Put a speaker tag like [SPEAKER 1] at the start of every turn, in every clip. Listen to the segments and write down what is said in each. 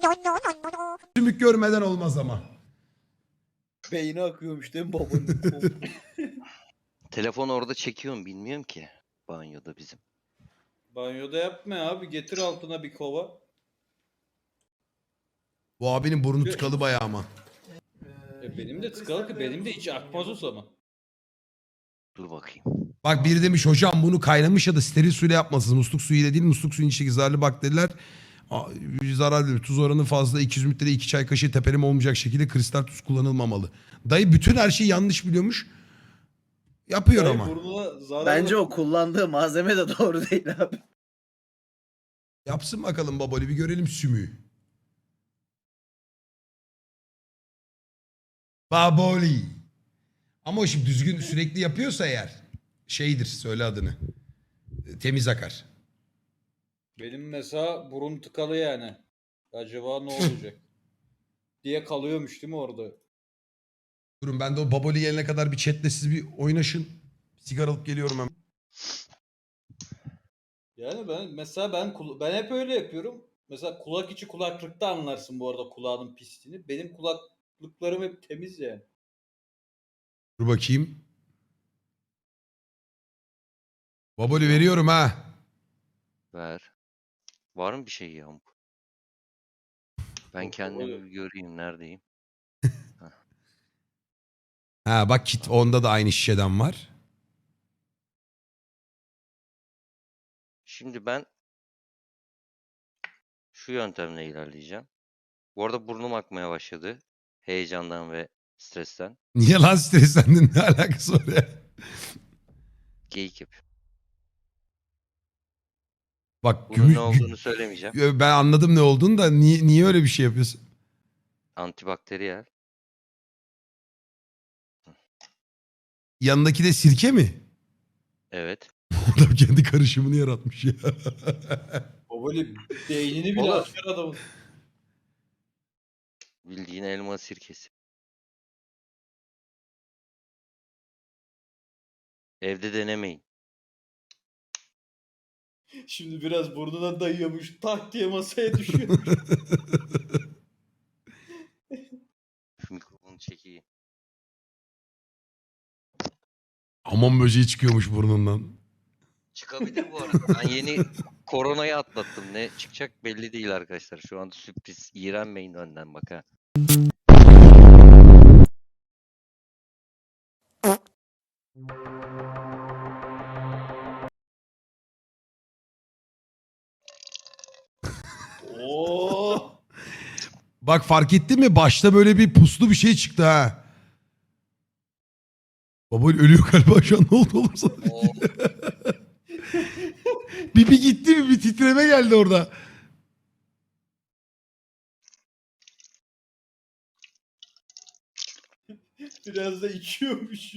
[SPEAKER 1] Sümük görmeden olmaz ama.
[SPEAKER 2] Beyni akıyormuş değil mi babanın?
[SPEAKER 3] Telefon orada çekiyorum bilmiyorum ki. Banyoda bizim.
[SPEAKER 2] Banyoda yapma abi. Getir altına bir kova.
[SPEAKER 1] Bu abinin burnu tıkalı bayağı ama.
[SPEAKER 2] Benim de tıkalı ki benim de hiç akmaz o zaman.
[SPEAKER 3] Dur bakayım.
[SPEAKER 1] Bak biri demiş hocam bunu kaynamış ya da steril suyla yapmasınız. Musluk suyuyla değil, musluk suyun içindeki zararlı bakteriler zararlı. Tuz oranı fazla, 200 mililitre 2 çay kaşığı tepeleme olmayacak şekilde kristal tuz kullanılmamalı. Dayı bütün her şeyi yanlış biliyormuş. Yapıyor
[SPEAKER 2] Dayı
[SPEAKER 1] ama.
[SPEAKER 2] burnuna zararlı.
[SPEAKER 4] Bence o kullandığı malzeme de doğru değil abi.
[SPEAKER 1] Yapsın bakalım babali, bir görelim sümüğü. Baboli. Ama o şimdi düzgün sürekli yapıyorsa eğer şeydir, söyle adını. Temiz akar.
[SPEAKER 2] Benim mesela burun tıkalı yani. Acaba ne olacak? diye kalıyormuş değil mi orada?
[SPEAKER 1] Durun ben de o baboli gelene kadar bir chatle siz bir oynaşın. Sigara alıp geliyorum hemen.
[SPEAKER 2] Yani ben hep öyle yapıyorum. Mesela kulak içi kulaklıkta anlarsın bu arada kulağının pisliğini. Benim kulaklıklarım hep temiz yani.
[SPEAKER 1] Dur bakayım. Baboli veriyorum ha.
[SPEAKER 3] Ver. Var mı bir şey ya? Ben
[SPEAKER 2] Yok,
[SPEAKER 3] kendimi
[SPEAKER 2] öyle.
[SPEAKER 3] bir göreyim neredeyim.
[SPEAKER 1] Ha bak kit onda da aynı şişeden var.
[SPEAKER 3] Şimdi ben şu yöntemle ilerleyeceğim. Bu arada burnum akmaya başladı. Heyecandan ve stresten.
[SPEAKER 1] Niye lan streslendin, ne alakası var ya?
[SPEAKER 3] Geyik yapıyorum.
[SPEAKER 1] Bak
[SPEAKER 3] Bunun ne olduğunu söylemeyeceğim.
[SPEAKER 1] ben anladım ne olduğunu da niye öyle bir şey yapıyorsun?
[SPEAKER 3] Antibakteriyel.
[SPEAKER 1] Yanındaki de sirke mi?
[SPEAKER 3] Evet.
[SPEAKER 1] Adam kendi karışımını yaratmış ya.
[SPEAKER 2] O böyle beynini bile
[SPEAKER 3] Oğlum.
[SPEAKER 2] açar adamın.
[SPEAKER 3] Bildiğin elma sirkesi. Evde denemeyin.
[SPEAKER 2] Şimdi biraz burnuna dayıyormuş. Tak diye masaya düşüyor.
[SPEAKER 3] Şu mikrofonu çekeyim.
[SPEAKER 1] Aman böceği çıkıyormuş burnundan.
[SPEAKER 3] Çıkabilir bu arada. Ben yeni koronayı atlattım. Ne çıkacak belli değil arkadaşlar. Şu anda sürpriz. İğrenmeyin önden bak ha.
[SPEAKER 2] Oo.
[SPEAKER 1] Bak fark ettin mi? Başta böyle bir puslu bir şey çıktı ha. Baba ölüyor galiba şu an, ne oldu oğlum sana?
[SPEAKER 3] Oo,
[SPEAKER 1] Bir gitti mi? Bir titreme geldi orada.
[SPEAKER 2] Biraz da içiyormuş.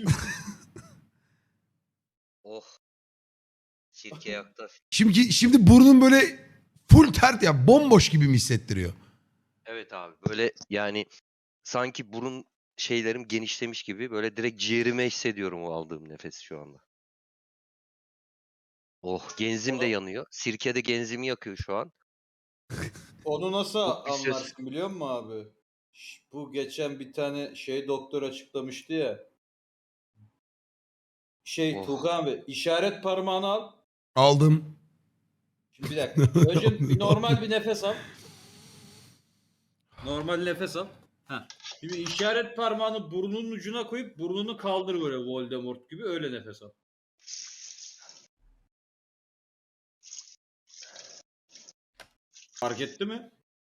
[SPEAKER 3] oh. Sirke yaktı.
[SPEAKER 1] Şimdi burnun böyle full tert ya, bomboş gibi mi hissettiriyor?
[SPEAKER 3] Evet abi. Böyle yani sanki burun şeylerim genişlemiş gibi böyle direkt ciğerime hissediyorum o aldığım nefesi şu anda. Oh, genzim de yanıyor. Sirke de genzimi yakıyor şu an.
[SPEAKER 2] Onu nasıl
[SPEAKER 3] Çok bir ses.
[SPEAKER 2] anlarsın biliyor musun abi? Bu geçen bir tane doktor açıklamıştı ya.
[SPEAKER 3] Oh.
[SPEAKER 2] Tuğkan abi işaret parmağını al.
[SPEAKER 1] Aldım.
[SPEAKER 2] Şimdi bir dakika. Önce normal bir nefes al. Normal nefes al. Heh. Şimdi işaret parmağını burnunun ucuna koyup burnunu kaldır böyle Voldemort gibi, öyle nefes al. Fark etti mi?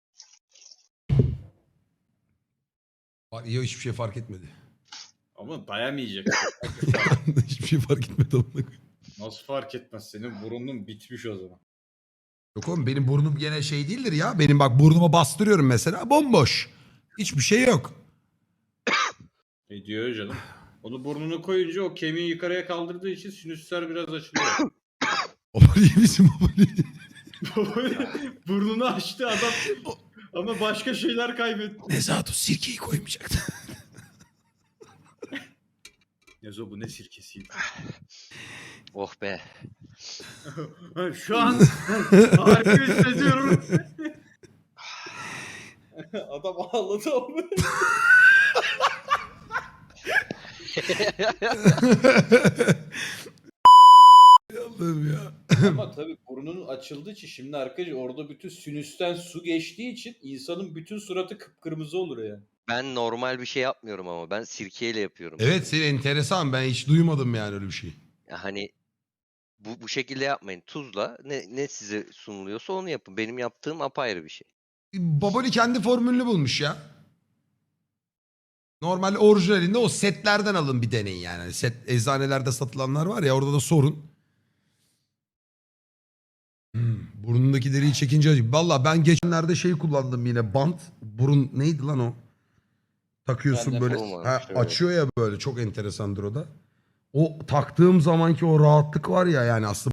[SPEAKER 1] Yok, hiçbir şey fark etmedi.
[SPEAKER 2] Ama dayamayacak.
[SPEAKER 1] Hiçbir şey fark etmedi.
[SPEAKER 2] Nasıl fark etmez? Senin burnun bitmiş o zaman.
[SPEAKER 1] Yok oğlum, benim burnum gene şey değildir ya. Benim bak burnuma bastırıyorum mesela, bomboş. Hiçbir şey yok.
[SPEAKER 2] Diyor canım. Onu burnunu koyunca o kemiği yukarıya kaldırdığı için sinüsler biraz açılıyor.
[SPEAKER 1] Baba iyi misin baba?
[SPEAKER 2] Burnunu açtı adam ama başka şeyler kaybetti.
[SPEAKER 1] Nezahat o sirkeyi koymayacaktı.
[SPEAKER 2] Nezo bu ne sirkesiydi?
[SPEAKER 3] Oh be.
[SPEAKER 2] Şu an harika hissediyorum. Adam ağladı ama.
[SPEAKER 1] Allah'ım ya.
[SPEAKER 2] Ama tabii burnunun açıldığı için şimdi arkadaşlar orada bütün sinüsten su geçtiği için insanın bütün suratı kıpkırmızı olur yani.
[SPEAKER 3] Ben normal bir şey yapmıyorum ama ben sirkeyle yapıyorum.
[SPEAKER 1] Evet senin enteresan, ben hiç duymadım yani öyle bir şey.
[SPEAKER 3] Ya hani bu şekilde yapmayın. Tuzla ne size sunuluyorsa onu yapın. Benim yaptığım apayrı bir şey.
[SPEAKER 1] Baboli kendi formülünü bulmuş ya. Normal orijinalinde o setlerden alın bir deneyin yani. Hani set eczanelerde satılanlar var ya, orada da sorun. Burnundaki deriyi çekince acı. Valla ben geçenlerde şey kullandım yine, bant. Burun neydi lan o? Takıyorsun
[SPEAKER 2] Ben de
[SPEAKER 1] böyle.
[SPEAKER 3] form varmış,
[SPEAKER 1] Ha,
[SPEAKER 3] evet.
[SPEAKER 1] açıyor ya böyle, çok enteresandır o da. O taktığım zamanki o rahatlık var ya, yani aslında